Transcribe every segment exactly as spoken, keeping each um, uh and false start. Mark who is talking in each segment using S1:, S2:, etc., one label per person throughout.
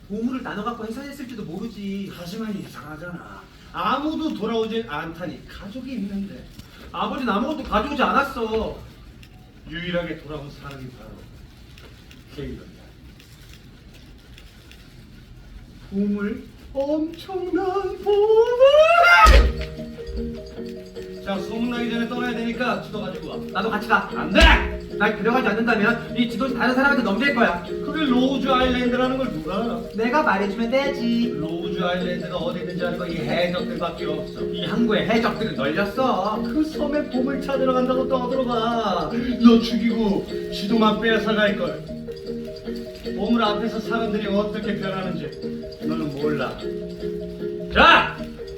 S1: 보물을 나눠 갖고 해산했을지도 모르지.
S2: 하지만 이상하잖아. 아무도 돌아오질 않다니 가족이 있는데
S1: 아버지는 아무것도 가져오지 않았어.
S2: 유일하게 돌아온 사람이 바로 케이런이야. 보물? 엄청난 보물! 자, 소문나기 전에 떠나야 되니까 지도 가지고 와.
S1: 나도 같이 가.
S2: 안 돼!
S1: 날 데려가지 않는다면 이 지도지 다른 사람한테 넘길 거야.
S2: 그게 로우즈 아일랜드라는 걸 누가 알아?
S1: 내가 말해주면 되지.
S2: 로우즈 아일랜드가 어디 있는지 아는 건 이 해적들밖에 없어.
S1: 이 항구에 해적들은 널렸어.
S2: 그 섬에 보물 찾으러 간다고 떠들어가. 너 죽이고 지도만 뺏어갈걸. 보물 앞에서 사람들이 어떻게 변하는지 너는 몰라. 자!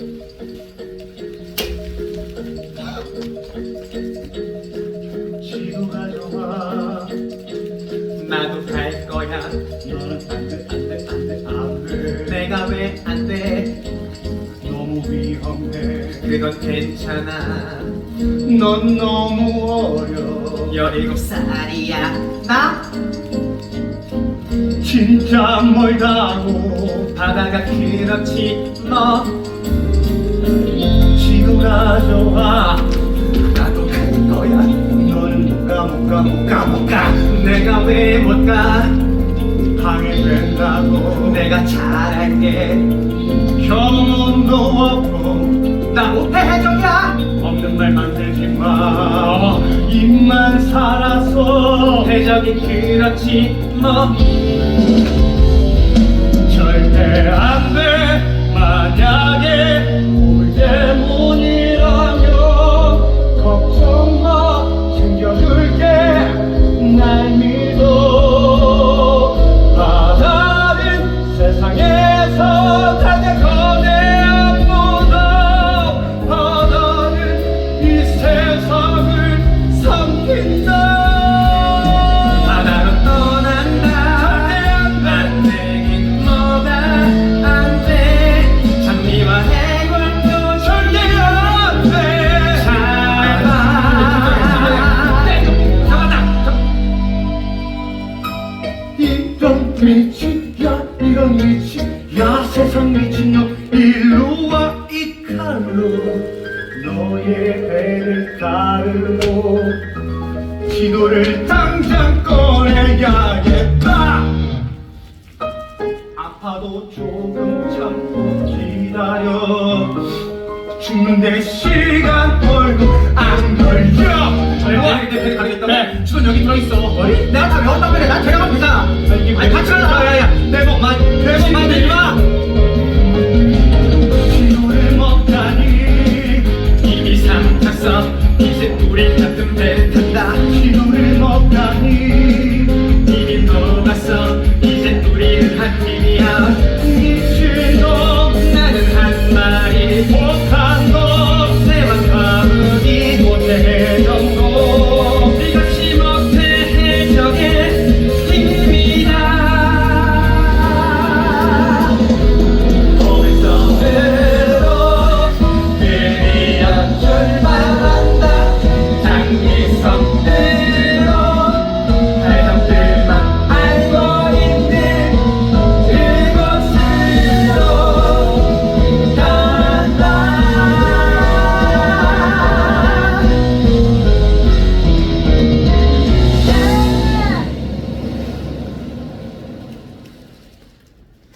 S2: 지도 가져와.
S1: 나도 갈 거야.
S2: 너는 안돼 안돼 안돼 안돼.
S1: 내가 왜 안 돼?
S2: 너무 위험해.
S1: 그건 괜찮아.
S2: 넌 너무 어려.
S1: 열일곱 살이야. 나
S2: 진짜 멀다고.
S1: 바다가 그렇지 뭐.
S2: 지도 가져와.
S1: 나도 갈 거야.
S2: 너는 못 가 못 가 못 가 못 가.
S1: 내가 왜 못 가?
S2: 방해된다고.
S1: 내가 잘할게.
S2: 경험도 없고
S1: 나 못해 해적이야.
S2: 없는 말 만들지 마. 입만 살아서
S1: 해적이 그렇지 뭐.
S2: 절대 안 돼. 만약에 보물 때문이라면 걱정 마. 챙겨줄게. 날 믿어. 바다는 세상에서 가장 거대한 문어. 바다는 이 세상을 삼킨다.
S1: 바다로 떠난다.
S2: 절대 안 돼.
S1: 안 되긴 뭐가 안 돼. 장미와 해골도
S2: 절대 안 돼.
S1: 잘 봐.
S2: 이런 미치야 이런 미치야 세상 미친놈 일로 와 이 칼로 너의 배를 가르고 지도를 당장 꺼내야겠다. 아파도 조금 참고 기다려. 죽는데 시간 벌고 안 걸려.
S1: 내가 대표를 가리겠다고?
S2: 네.
S1: 주선 여기 들어있어.
S2: 어디?
S1: 내가 다 외웠단 말이야. 나 데려가면 되잖아.
S2: 이게
S1: 아니 같이 가자.